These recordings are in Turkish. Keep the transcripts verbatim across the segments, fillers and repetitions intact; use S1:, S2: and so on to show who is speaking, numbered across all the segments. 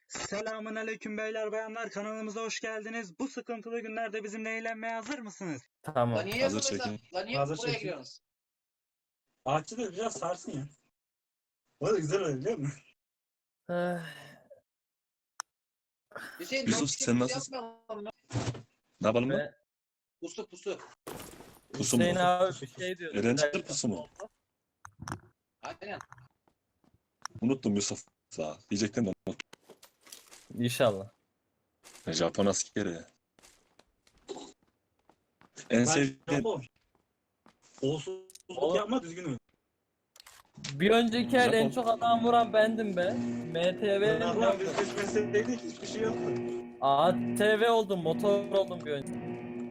S1: Selamun aleyküm beyler bayanlar, kanalımıza hoş geldiniz. Bu sıkıntılı günlerde bizimle eğlenmeye hazır mısınız?
S2: Tamam.
S3: Lan niye
S4: Hazır
S3: yapıyorsun sen?
S4: çekin.
S3: Lan niye
S4: Hazır
S3: buraya
S4: çekin.
S3: giriyorsunuz?
S4: Ağaççı da biraz sarsın ya. O da güzel oluyor biliyor musun?
S2: Eh,
S3: Hüseyin
S4: Yusuf,
S3: dört kişi
S4: sen
S3: pusu
S4: nasılsın?
S3: yapmayalım mı?
S4: Ne yapalım mı?
S2: Ve
S3: Pusu pusu.
S4: Pusu mu?
S2: Hüseyin abi bir şey diyor.
S4: Eğlenceli pusu mu?
S3: Aynen.
S4: Unuttum Yusuf. Sağ. Diyecektim de unuttum.
S2: İnşallah.
S4: Japon askeri. En sevdiğin... Olsuzluk yapma düzgün oyun.
S2: Bir önceki el en
S4: Japon.
S2: çok adam vuran bendim be. M T V
S4: Allah'ım biz seçmeseydik hiçbir şey yoktu.
S2: A T V oldum, motor oldum bir önce.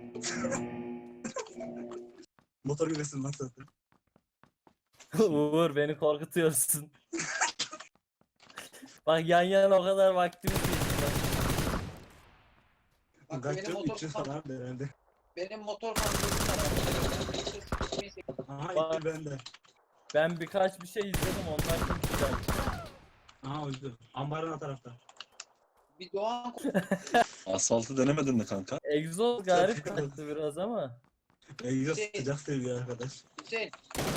S4: Motor gülesin lan zaten.
S2: Uğur beni korkutuyorsun. Bak yan yana o kadar vaktimiz geçti.
S3: Bak
S4: Kaç
S3: benim
S4: yıl?
S3: motor
S4: üç yıl
S3: fan,
S4: falan herhalde.
S3: benim motor fantesim var.
S4: Aha
S2: Bak.
S4: ilk bende.
S2: Ben birkaç bir şey izledim ondan çok güzel.
S4: Aha uydu. Ambarın o tarafta.
S3: Bir Doğan
S4: Asfaltı denemedin mi kanka?
S2: Egzoz garip kaçtı biraz ama.
S4: Egzoz
S3: Şey-
S4: sıcak seviyor arkadaş.
S3: Hüseyin.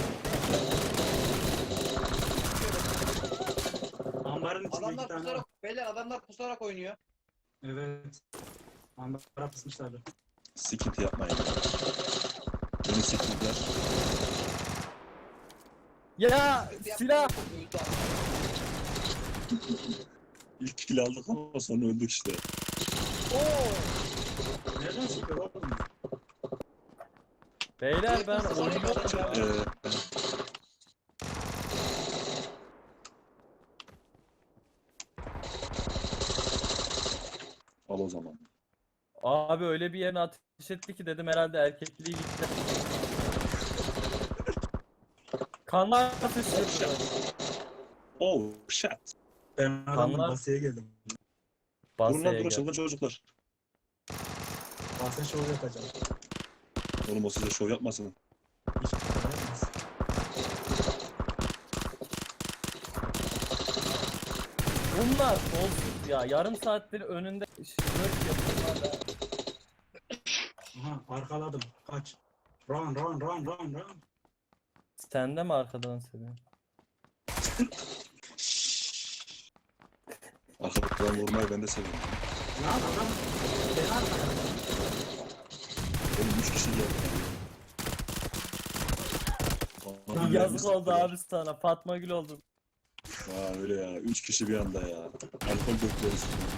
S4: Ambarın içinde iki
S3: Adamlar
S4: tane var.
S3: pusarak, beyler adamlar pusarak oynuyor.
S4: Evet. Ambara pısmışlardı. Sıkıntı yapmayın. Beni siktirdiler.
S2: Ya silah!
S4: İlk kill aldık ama sonra öldük işte.
S2: Oo!
S4: Nereden çıkıyor oğlum?
S2: Beyler ben
S3: Direkt
S2: oynuyorum
S3: basın-
S2: ya.
S4: Ee, al o zaman.
S2: Abi öyle bir yerine ateş etti ki dedim herhalde erkekliği gitti. Kanlar atıştırdı.
S4: Oh shit. Ben adamın
S2: Kanlar-
S4: basıya geldim.
S2: Basaya
S4: Durun lan
S2: gel.
S4: durun çılgın çocuklar. Basya şov yapacağım. Oğlum o size şov yapmasın. Hiç yapmaz.
S2: Bunlar kolsuz ya. Yarım saattir önünde şıkırık yapıyorlar ya.
S4: Aha arkaladım. Kaç. Run run run run run.
S2: Sen de mi arkadan seviyorsun?
S4: Arkadan vurmayı ben de seviyorum. Lan adam. Ben arkaladım. Oğlum üç kişi geldi. Aman
S2: Yazık
S4: Allah'ım,
S2: oldu abi sana. Fatma Gül oldun.
S4: Aa öyle ya. Üç kişi bir anda ya. Alkol döktüler üstüne.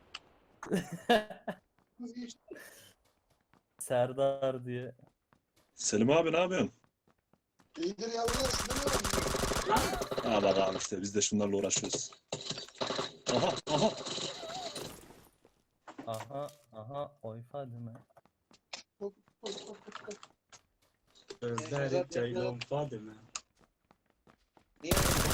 S2: Serdar diye.
S4: Selim abi ne yapıyorsun?
S5: İyidir yavrular, size ne var?
S4: Ha bak abi işte biz de şunlarla uğraşıyoruz. Aha aha.
S2: Aha aha oy Fadime.
S4: Özleri Ceylon Fadime.
S3: Niye?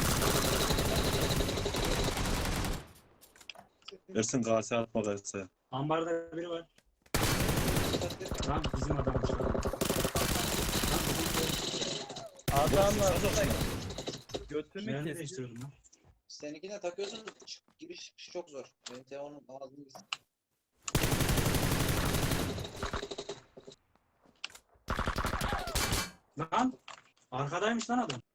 S4: Versin kase atma kase. Ambarda biri var. Lan bizim adammış.
S2: Adamlar
S4: Saz olsun.
S2: götümü
S4: Yerini
S2: kesiyor.
S4: değiştiriyorum lan.
S3: Seninkine takıyorsun çık- giriş çıkış çok zor. Benim telefonum ağzını gitsin.
S4: Lan arkadaymış lan adam.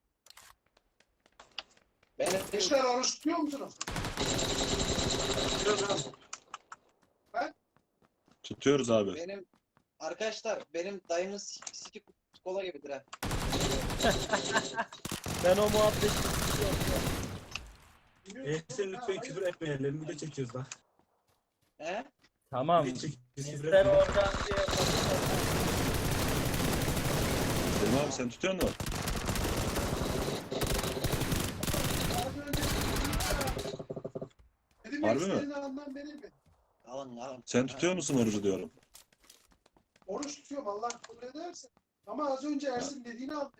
S3: Benim
S5: Gençler oruç tutuyor musunuz?
S4: Tutuyoruz abi. Tutuyoruz abi.
S3: benim arkadaşlar benim dayımın sik- siki kola gibidir ha.
S2: Ben o muhabbeti istiyorum.
S4: Ehsen lütfen küfür etmeyelim. Video çekiyoruz bak.
S3: He?
S2: Tamam.
S4: Video çekiyoruz. Küfür
S2: İster
S4: etmeyelim.
S2: oradan diye
S4: Selim abi sen tutuyor musun?
S5: Az önce dedim
S4: Harbi mi?
S5: istediğini anlam benim mi?
S3: Alın alın.
S4: Sen tutuyor musun orucu diyorum.
S5: Oruç tutuyorum Allah kabul ederse. Ama az önce Ersin dediğini aldım.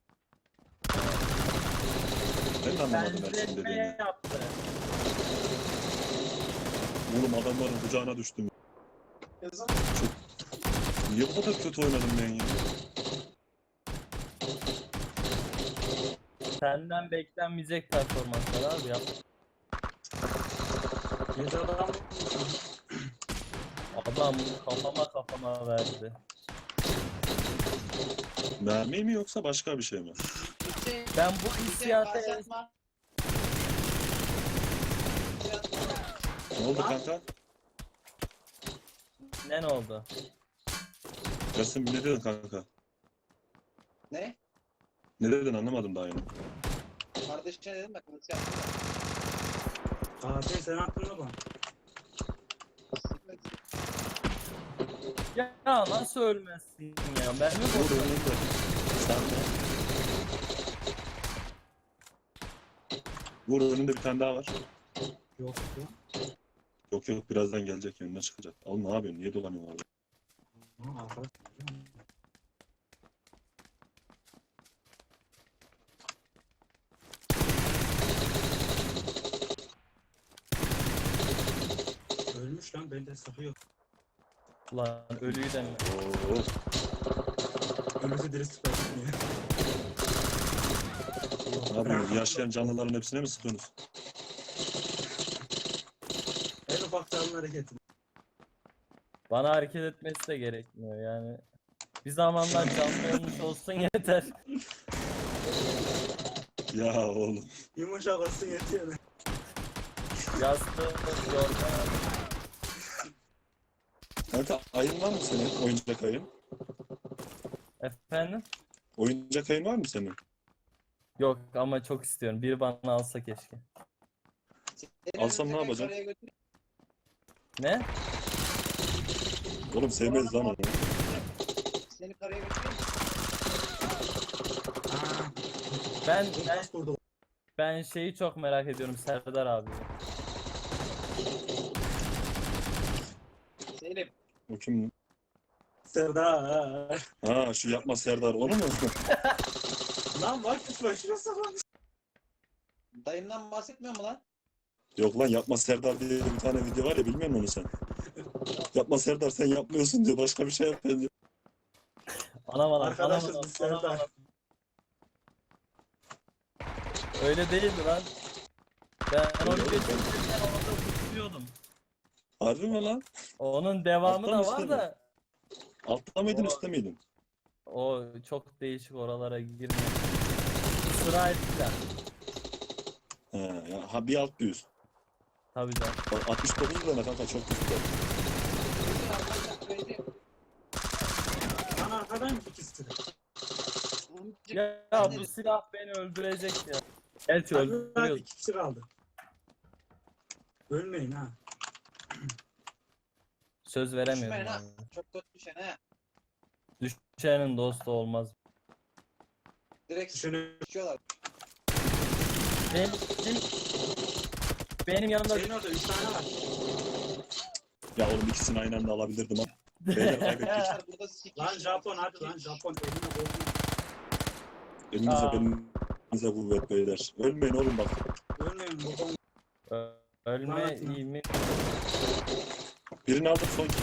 S4: Ben de anlamadım Ersin
S2: benzetme
S4: dediğini.
S2: yaptı.
S4: Oğlum adamların kucağına düştüm.
S5: Yazan
S4: Niye bu kadar kötü oynadım ben ya?
S2: Senden beklenmeyecek performanslar abi yap.
S4: Bir adam
S2: Adam kafama kafama verdi.
S4: mermi mi yoksa başka bir şey mi?
S3: Hüseyin,
S2: Ben bu
S3: Hüseyin
S2: hissiyata
S3: karşı atma.
S4: Ne oldu kanka?
S2: ne ne oldu?
S4: Yasin ne dedin kanka?
S3: Ne?
S4: Ne dedin anlamadım daha yeni.
S3: Kardeşine dedim bak. Hüseyin atma.
S6: Fatih sen aklına bak.
S2: Ya nasıl ölmezsin ya? Ben mi
S4: Vur
S2: bozuyorum?
S4: önünde. Sen de. Vur önünde bir tane daha var.
S6: Yok ya.
S4: Yok yok birazdan gelecek önüne çıkacak. Oğlum ne yapıyorsun? Niye dolanıyorsun orada?
S6: Aa, arkadaş. Ölmüş lan bende sıkıyor.
S2: Lan ölüyü de mi?
S4: Oo.
S6: Ölüsü diri sıkıyor.
S4: Ne yapıyorsunuz? Yaşayan canlıların hepsine mi sıkıyorsunuz?
S6: En ufak canlı hareketi.
S2: Bana hareket etmesi de gerekmiyor yani. Bir zamanlar canlı olmuş olsun yeter.
S4: Ya oğlum.
S6: Yumuşak olsun yetiyor.
S2: Yastığı yorgan.
S4: Kanka ayın var mı senin? Oyuncak ayın.
S2: Efendim?
S4: Oyuncak ayın var mı senin?
S2: Yok ama çok istiyorum. Biri bana alsa keşke.
S3: Seni
S4: Alsam ne
S3: Hüseyin
S4: yapacaksın?
S3: karaya götür-
S2: Ne?
S4: Oğlum sevmeyiz lan onu.
S3: Seni karaya götüreyim mi?
S6: Aaa.
S2: Ben
S6: Bu
S2: ben,
S6: nasıl vurdu?
S2: ben şeyi çok merak ediyorum Serdar abi.
S3: Selim.
S4: O kim?
S6: Serdar.
S4: Ha şu yapma Serdar onu mu?
S6: Lan bak lütfen şuraya saklamış.
S3: Dayımdan bahsetmiyor mu lan?
S4: Yok lan yapma Serdar diye bir tane video var ya bilmiyor musun onu sen? Yapma Serdar sen yapmıyorsun diyor başka bir şey yap diyor.
S2: Anam anam
S6: Arkadaşız
S2: anam,
S6: biz
S2: anam,
S6: Serdar.
S2: anam. Öyle değildi lan. Ben onu
S4: Öyle oğlum,
S2: geçirken orada tutukluyordum.
S4: Harbi mi lan?
S2: Onun devamı
S4: Alttan
S2: da
S4: üstte
S2: var
S4: mi?
S2: da
S4: Altta mıydın
S2: O-
S4: üstte miydin?
S2: o çok değişik oralara girmiyor. Sıra ettiler.
S4: He, ya, ha bir alt bir üst.
S2: Tabii canım.
S4: Bak, altmış dokuz lira kanka çok güzel.
S3: Hüseyin arkadaşlar söyledi.
S6: Lan arkadan ikisi de.
S2: Ya, ya bu silah beni öldürecek ya. Gerçi
S6: Hadi
S2: öldürüyor.
S6: iki kişi kaldı. Ölmeyin ha.
S2: Söz veremiyorum.
S3: Düşmeyin ha.
S2: Yani.
S3: Çok kötü düşen ha.
S2: Düşenin dostu olmaz.
S3: Direkt
S6: Düşünün.
S3: düşüyorlar.
S2: Benim, benim yanımda
S6: Senin orada üç tane var.
S4: Ya oğlum ikisini aynı anda alabilirdim ha. Beyler kaybettik.
S3: Bunlar burada sikiş.
S6: Lan Japon hadi lan Japon. Eline koydum.
S4: Elinize
S2: Aa.
S4: belinize kuvvet beyler. Ölmeyin oğlum bak.
S6: Ölmeyin babam.
S2: Ö- ölme
S6: Lanet lan.
S2: iyi mi?
S4: Birini aldım son kim?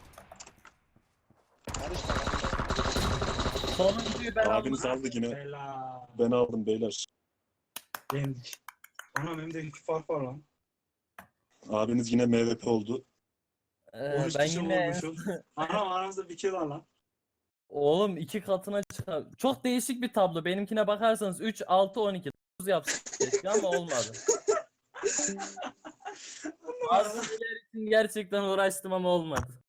S3: Karışma lan.
S2: Sonuncuyu ben aldım.
S4: Abiniz aldı yine.
S6: Bela.
S4: Ben aldım beyler.
S6: Yendik. Anam hem de iki fark var lan.
S4: Abiniz yine M V P oldu.
S2: Ee,
S6: on üç
S2: ben
S6: kişi
S2: yine
S6: vurmuşum. Anam aramızda bir kill var lan.
S2: oğlum iki katına çıkar. Çok değişik bir tablo. Benimkine bakarsanız üç, altı, on iki. dokuz yapsın keşke ama olmadı. Bazı şeyler için gerçekten uğraştım ama olmadı.